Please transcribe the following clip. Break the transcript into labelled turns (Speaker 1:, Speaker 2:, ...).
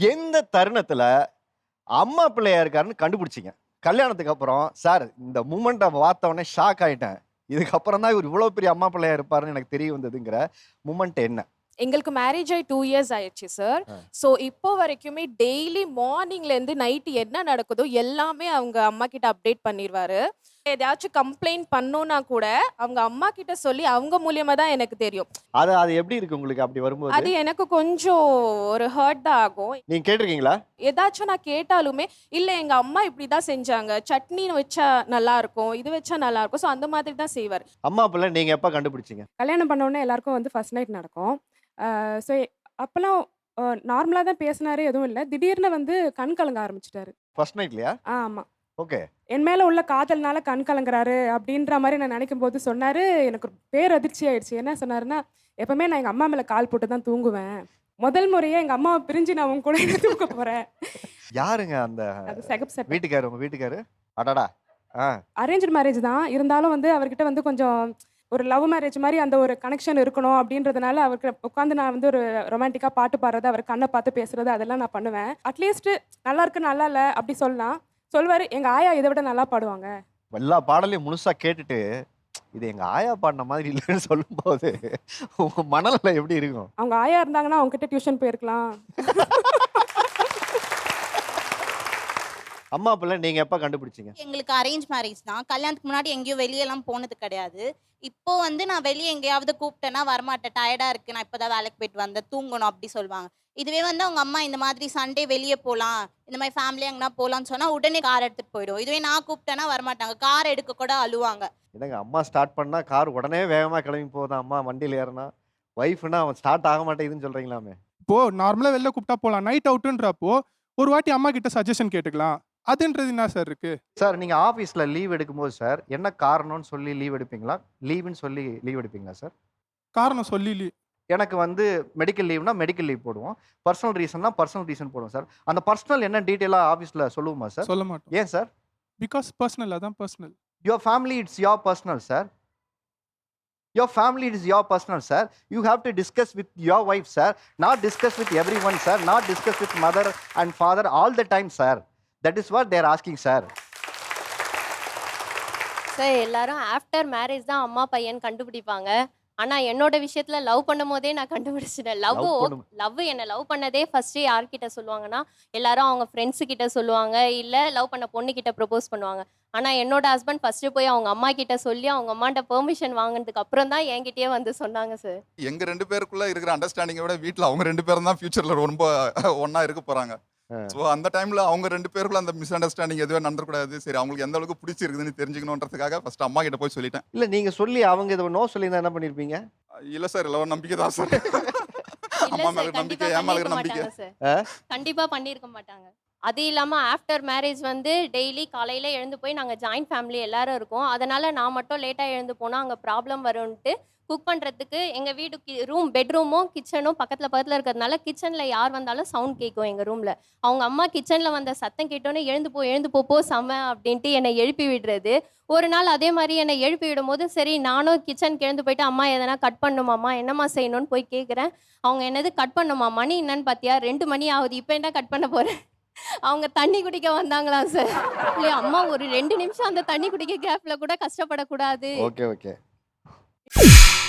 Speaker 1: எந்த தருணத்துல அம்மா பிள்ளையா இருக்காருன்னு கண்டுபிடிச்சிங்க? கல்யாணத்துக்கு அப்புறம் சார் இந்த மூமெண்ட்டை பார்த்த உடனே ஷாக் ஆயிட்டேன், இதுக்கப்புறம் தான் இவர் இவ்வளவு பெரிய அம்மா பிள்ளையா இருப்பாருன்னு எனக்கு தெரிய வந்ததுங்கிற மூமெண்ட் என்ன?
Speaker 2: எங்களுக்கு மேரேஜ் ஆகி 2 இயர்ஸ் ஆயிடுச்சு சார். ஸோ இப்போ வரைக்குமே டெய்லி மார்னிங்லேருந்து நைட்டு என்ன நடக்குதோ எல்லாமே அவங்க அம்மா கிட்ட அப்டேட் பண்ணிடுவாரு. எதையாச்சும் கம்ப்ளைண்ட் பண்ணோன்னா கூட அவங்க அம்மா கிட்ட சொல்லி அவங்க மூலியமா தான் எனக்கு தெரியும்.
Speaker 1: அது அது எப்படி இருக்கு உங்களுக்கு அப்படி வரும்போது?
Speaker 2: அது எனக்கு கொஞ்சம் ஒரு ஹர்ட் தான் ஆகும்.
Speaker 1: நீங்க கேட்டிருக்கீங்களா?
Speaker 2: ஏதாச்சும் நான் கேட்டாலுமே, இல்லை எங்க அம்மா இப்படி தான் செஞ்சாங்க, சட்னி வச்சா நல்லா இருக்கும், இது வச்சா நல்லா இருக்கும். ஸோ அந்த மாதிரி தான் செய்வார்.
Speaker 1: அம்மா பிள்ளை நீங்க எப்ப கண்டுபிடிச்சீங்க?
Speaker 3: கல்யாணம் பண்ண உடனே எல்லாருக்கும் வந்து ஃபர்ஸ்ட் நைட் நடக்கும். ஸோ அப்போலாம் நார்மலாக தான் பேசினாரு, எதுவும் இல்லை. திடீர்னு வந்து கண் கலங்க ஆரம்பிச்சிட்டாரு.
Speaker 1: ஃபர்ஸ்ட் நைட்லயா?
Speaker 3: ஆமாம்.
Speaker 1: ஓகே.
Speaker 3: என் மேலே உள்ள காதல்னால கண் கலங்குறாரு அப்படின்ற மாதிரி நான் நினைக்கும் போது சொன்னார். எனக்கு ஒரு பேரதிர்ச்சி ஆயிடுச்சு. என்ன சொன்னாருன்னா, எப்பவுமே நான் எங்கள் அம்மா மேலே கால் போட்டு தான் தூங்குவேன். முதல் முறையே எங்கள் அம்மாவை பிரிஞ்சு நான் உங்க கூட தூங்க போகிறேன்.
Speaker 1: யாருங்க அந்த
Speaker 3: அது செகப் செட்.
Speaker 1: வீட்டுக்காரு? உங்க வீட்டுக்காரு? அடடா.
Speaker 3: அரேஞ்ச்டு மேரேஜ் தான். இருந்தாலும் வந்து அவர்கிட்ட வந்து கொஞ்சம் ஒரு லவ் மேரேஜ் மாதிரி அந்த ஒரு கனெக்ஷன் இருக்கணும் அப்படின்றதுனால அவருக்கு உட்காந்து நான் வந்து ஒரு ரொமான்டிக்காக பாட்டு பாடுறது, அவர் கண்ணை பார்த்து பேசுறது அதெல்லாம் நான் பண்ணுவேன். அட்லீஸ்ட் நல்லா இருக்கு நல்லா இல்லை அப்படி சொல்லலாம். சொல்வார், எங்கள் ஆயா இதை விட நல்லா பாடுவாங்க.
Speaker 1: எல்லா பாடலையும் முழுசா கேட்டுட்டு இது எங்க ஆயா பாடின மாதிரி இல்லைன்னு சொல்லும்போது உங்க மனநிலை எப்படி இருக்கும்?
Speaker 3: அவங்க ஆயா இருந்தாங்கன்னா அவங்க கிட்ட டியூஷன் போயிருக்கலாம்.
Speaker 1: அம்மா பிள்ளை நீங்க எப்ப கண்டுபிடிச்சீங்க?
Speaker 4: எங்களுக்கு அரேஞ்ச் மேரேஜ் தான். கல்யாணத்துக்கு முன்னாடி எங்கேயும் வெளியெல்லாம் போனது கிடையாது. இப்போ வந்து நான் வெளியே எங்கேயாவது கூப்பிட்டேன்னா வரமாட்டேன், டயர்டாக இருக்குது, நான் இப்போ தான் வேலைக்கு போயிட்டு வந்தேன், தூங்கணும் அப்படி சொல்லுவாங்க. இதுவே வந்து அவங்க அம்மா இந்த மாதிரி சண்டே வெளியே போகலாம், இந்த மாதிரி ஃபேமிலியாக எங்கன்னா போகலான்னு சொன்னால் உடனே கார் எடுத்துகிட்டு போயிடும். இதுவே நான் கூப்பிட்டேன்னா வரமாட்டாங்க, கார் எடுக்க கூட அழுவாங்க.
Speaker 1: என்னங்க அம்மா ஸ்டார்ட் பண்ணா கார் உடனே வேகமா கிளம்பி போகுதான், அம்மா வண்டியில் ஏறினா ஒய்ஃப்னா அவன் ஸ்டார்ட் ஆக மாட்டேங்குதுன்னு சொல்றீங்களாமே?
Speaker 5: இப்போ நார்மலா வெளில கூப்பிட்டா போலாம். நைட் அவுட்ன்றப்போ ஒரு வாட்டி அம்மா கிட்ட சஜஷன் கேட்டுக்கலாம். அதுன்றது என்ன சார் இருக்கு?
Speaker 1: சார் நீங்க ஆபீஸ்ல லீவ் எடுக்கும்போது சார் என்ன காரணம்னு சொல்லி லீவ் எடுப்பீங்களா, லீவுன்னு சொல்லி லீவ் எடுப்பீங்களா சார்?
Speaker 5: காரணம் சொல்லி
Speaker 1: எனக்கு வந்து மெடிக்கல் லீவ்னா மெடிக்கல் லீவ் போடுவோம், பர்சனல் ரீசன்னா பர்சனல் ரீசன் போடுவோம் சார். அந்த பர்சனல் என்ன டீட்டெயிலாக ஆஃபீஸில் சொல்லுவோமா சார்?
Speaker 5: சொல்ல மாட்டோம்.
Speaker 1: ஏன் சார்?
Speaker 5: பிகாஸ் பர்சனல், அதான் personal.
Speaker 1: Your family it's your personal sir. Your family it's your personal sir. You have to discuss with your wife sir, not discuss with everyone sir, not discuss with mother and father all the time sir. That is what they're asking sir.
Speaker 6: Sir எல்லாரும் after marriage தான் அம்மா பையன் கண்டுபிடிப்பாங்க. ஆனால் என்னோட விஷயத்தில் love பண்ணும் போதே நான் கண்டுபிடிச்சிட்டேன். லவ் என்னை லவ் பண்ணதே ஃபஸ்ட்டு யார்கிட்ட சொல்லுவாங்கன்னா, எல்லாரும் அவங்க ஃப்ரெண்ட்ஸு கிட்ட சொல்லுவாங்க, இல்லை லவ் பண்ண பொண்ணுக்கிட்ட ப்ரப்போஸ் பண்ணுவாங்க. ஆனால் என்னோட ஹஸ்பண்ட் ஃபஸ்ட்டு போய் அவங்க அம்மா கிட்ட சொல்லி அவங்க அம்மாட்ட பெர்மிஷன் வாங்கினதுக்கு அப்புறம் தான் என்கிட்டயே வந்து சொன்னாங்க சார்.
Speaker 7: எங்கள் 2 பேருக்குள்ளே இருக்கிற அண்டர்ஸ்டாண்டிங்கை விட வீட்டில் அவங்க 2 பேரும் தான் ஃபியூச்சரில் ரொம்ப ஒன்றா இருக்க போகிறாங்க. ஸோ அந்த டைமில் அவங்க 2 பேருக்குள்ள அந்த மிஸ் அண்டர்ஸ்டாண்டிங் எதுவும் நடந்துக்கூடாது. சரி, அவங்களுக்கு எந்த அளவுக்கு பிடிச்சிருக்குதுன்னு தெரிஞ்சுக்கணுன்றதுக்காக ஃபர்ஸ்ட் அம்மா கிட்ட போய் சொல்லிட்டேன்.
Speaker 1: இல்லை நீங்கள் சொல்லி அவங்க இதை நோ சொல்லியிருந்தா என்ன பண்ணியிருப்பீங்க?
Speaker 7: இல்லை சார், இல்லை நம்பிக்கை தான் சார்.
Speaker 6: இல்லை
Speaker 7: அம்மா
Speaker 6: சார்,
Speaker 7: மேலே நம்பிக்கை,
Speaker 6: கண்டிப்பாக
Speaker 7: என் மேலே
Speaker 6: பண்ணியிருக்க
Speaker 7: நம்பிக்கை.
Speaker 6: மாட்டாங்க சார். கண்டிப்பாக பண்ணியிருக்க மாட்டாங்க. அது இல்லாமல் ஆஃப்டர் மேரேஜ் வந்து டெய்லி காலையில் எழுந்து போய் நாங்கள் ஜாயின்ட் ஃபேமிலி எல்லாரும் இருக்கோம். அதனால் நான் மட்டும் லேட்டாக எழுந்து போனால் அங்கே ப்ராப்ளம் வரும்ன்ட்டு குக் பண்ணுறதுக்கு எங்கள் வீடு பெட்ரூமும் கிச்சனும் பக்கத்தில் இருக்கிறதுனால கிச்சனில் யார் வந்தாலும் சவுண்ட் கேட்கும் எங்கள் ரூமில். அவங்க அம்மா கிச்சனில் வந்த சத்தம் கேட்டோன்னே எழுந்து போ செம அப்படின்ட்டு என்னை எழுப்பி விடுறது. ஒரு நாள் அதே மாதிரி என்னை எழுப்பி விடும்போது சரி நானும் கிச்சனுக்கு எழுந்து போயிட்டு அம்மா எதனா கட் பண்ணுமாம்மா, என்னம்மா செய்யணும்னு போய் கேட்குறேன். அவங்க என்னது கட் பண்ணுமா, மணி என்னன்னு பார்த்தியா, 2 மணி ஆகுது, இப்போ என்ன கட் பண்ண போகிறேன். அவங்க தண்ணி குடிக்க வந்தாங்களா சார். இல்லையா அம்மா ஒரு 2 நிமிஷம் அந்த தண்ணி குடிக்க கேப்ல கூட கஷ்டப்படக்கூடாது.
Speaker 1: ஓகே.